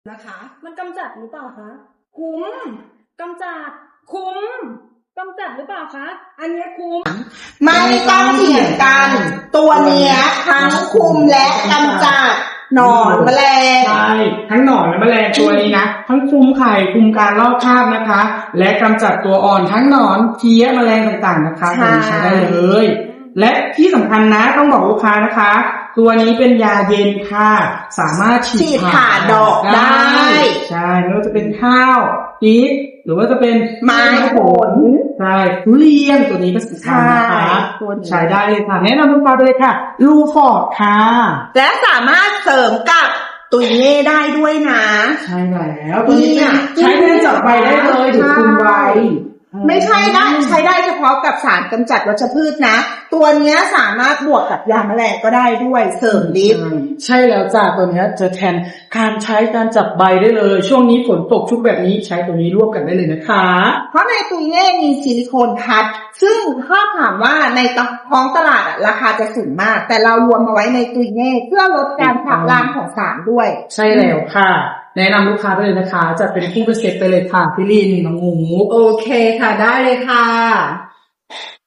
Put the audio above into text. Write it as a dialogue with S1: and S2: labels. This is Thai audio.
S1: นะคะมันกำจัดหรือเปล่าคะคุ้มกำจัดคุ้มกำจัดหรือเปล่าคะอันนี้คุ้ม
S2: ไม่ต้องเถียงกันตัวเนี้ยทั้งคุมและกำจัดหนอนแมลง
S3: ใช่ทั้งหนอนและแมลงตัวนี้นะทั้งคุมไข่คุมการลอกคราบนะคะ และกำจัดตัวอ่อนทั้งหนอนเพี้ยแมลงต่างๆนะคะตัวนี้ใช้ได้เลยและที่สำคัญนะต้องบอกลูกค้านะคะ ตัวนี้เป็นยาเย็นค่ะสามารถฉีดผ่า
S2: ดอกได้
S3: ใช่ไม่ว่าจะเป็นข้าวปี๊บหรือว่าจะเป็น
S2: ไม้ผล
S3: ใช่ทุเรียนตัวนี้ก็สำคัญนะคะใช้ได้เลยค่ะแนะนำลูกค้าเลยค่ะลูฟอร์ดค่ะ
S2: และสามารถเสริมกับตุยเน่ได้ด้วยนะ
S3: ใช่แล้วตัวนี้ใช้แทนจับใบได้เลยหรือคุมใบ
S2: ไม่ใช่ได้ใช้ได้เฉพาะกับสารกำจัดวัชพืชนะตัวนี้สามารถบวกกับยาแมลงก็ได้ด้วยเสริมฤทธิ์
S3: ใช่แล้วจ้ะตัวนี้จะแทนการใช้การจับใบได้เลยช่วงนี้ฝนตกชุกแบบนี้ใช้ตัวนี้ร่วมกันได้เลยนะคะ
S2: เพราะในตุยเน่มีซิลิโคนคัดซึ่งถ้าถามว่าในท้องตลาดราคาจะสูงมากแต่เรารวมมาไว้ในตุยเน่เพื่อลดการขับล้างของสารด้วย
S3: ใช่แล้วค่ะแนะนำลูกค้าไปเลยนะคะจะเป็นคู่เป็นเซตไปเลยค่ะพี่ลินน้องหมู
S1: โอเคค่ะได้เลยค่ะ